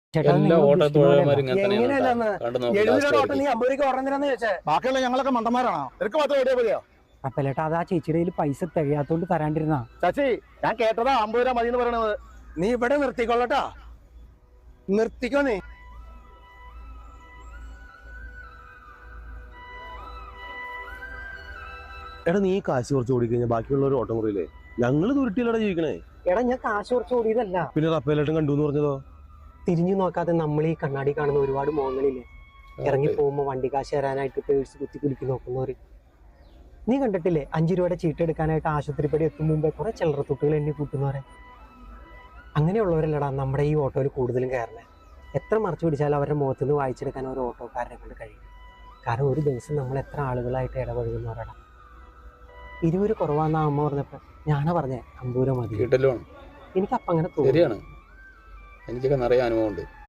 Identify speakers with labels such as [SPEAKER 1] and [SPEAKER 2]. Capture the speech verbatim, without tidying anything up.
[SPEAKER 1] എല്ലാ ഓട്ടോ തൊഴിലാളിമാരും ഇങ്ങനെ തന്നെയാണ്
[SPEAKER 2] എങ്ങനെയല്ലെന്ന്
[SPEAKER 1] കേട്ടോ. കണ്ടു നോക്ക്
[SPEAKER 2] എഴുപത്
[SPEAKER 1] last
[SPEAKER 2] രൂപ ഓട്ടം
[SPEAKER 1] വരെയ്ക്ക്.
[SPEAKER 2] നീ അമ്പത് രൂപ ഓട്ടം തരാന്ന് ചോദിച്ചേ.
[SPEAKER 3] ബാക്കിയുള്ള ഞങ്ങളൊക്കെ മണ്ടന്മാരാണോ? നിനക്ക് മാത്രം എവിടെയാ മതിയോ?
[SPEAKER 4] അപ്പലേട്ടാ അത് ആ ചേച്ചിയുടെ കയ്യിൽ പൈസ തികയാത്തോണ്ട് തരാണ്ടിരുന്നാ.
[SPEAKER 3] ചാച്ചി, ഞാൻ കേട്ടതാ അമ്പത് രൂപ മതി എന്ന് പറയണത്.
[SPEAKER 2] നീ ഇവിടെ നിർത്തിക്കൊള്ളട്ടാ, നിർത്തിക്കോ നീ.
[SPEAKER 5] എടാ നീ കാശ് കുറച്ച് ഓടിക്കഴിഞ്ഞാൽ ബാക്കിയുള്ള ഒരു ഓട്ടം കുറയില്ലേ? ഞങ്ങള് ദുരുട്ടിയിലൂടെ ജീവിക്കണേ.
[SPEAKER 4] എടാ ഞാൻ കാശ് കുറച്ച് ഓടിയതല്ല,
[SPEAKER 5] പിന്നെ റപ്പേലായിട്ടും കണ്ടു എന്ന് പറഞ്ഞതോ?
[SPEAKER 4] തിരിഞ്ഞു നോക്കാതെ നമ്മൾ ഈ കണ്ണാടി കാണുന്ന ഒരുപാട് മോഹങ്ങളില്ലേ, ഇറങ്ങി പോകുമ്പോ വണ്ടി കാശ് തരാനായിട്ട് പേഴ്സ് കുത്തി കുലുക്കി നോക്കുന്നവര്. നീ കണ്ടിട്ടില്ലേ അഞ്ചു രൂപയുടെ ചീട്ട് എടുക്കാനായിട്ട് ആശുപത്രിപ്പടി എത്തും മുമ്പേ കുറെ ചില്ലറത്തുട്ടുകൾ എണ്ണി കൂട്ടുന്നവരെ? അങ്ങനെയുള്ളവരല്ലടാ നമ്മുടെ ഈ ഓട്ടോയിൽ കൂടുതലും കയറണേ. എത്ര മറച്ചു പിടിച്ചാലും അവരുടെ മുഖത്ത് നിന്ന് വായിച്ചെടുക്കാൻ ഒരു ഓട്ടോക്കാരനെ കൊണ്ട് കഴിയും. കാരണം ഒരു ദിവസം നമ്മൾ എത്ര ആളുകളായിട്ട് ഇടപഴകുന്നവരാടാ. ഇരുപത് കുറവാന്നാ അമ്മ പറഞ്ഞപ്പോ ഞാനാ പറഞ്ഞേ അമ്പൂര മതി.
[SPEAKER 1] കിട്ടല്ലോ
[SPEAKER 4] എനിക്ക് അപ്പം അങ്ങനെ തോന്നി.
[SPEAKER 1] ശരിയാണ്, എനിക്കൊക്കെ നിറയെ അനുഭവമുണ്ട്.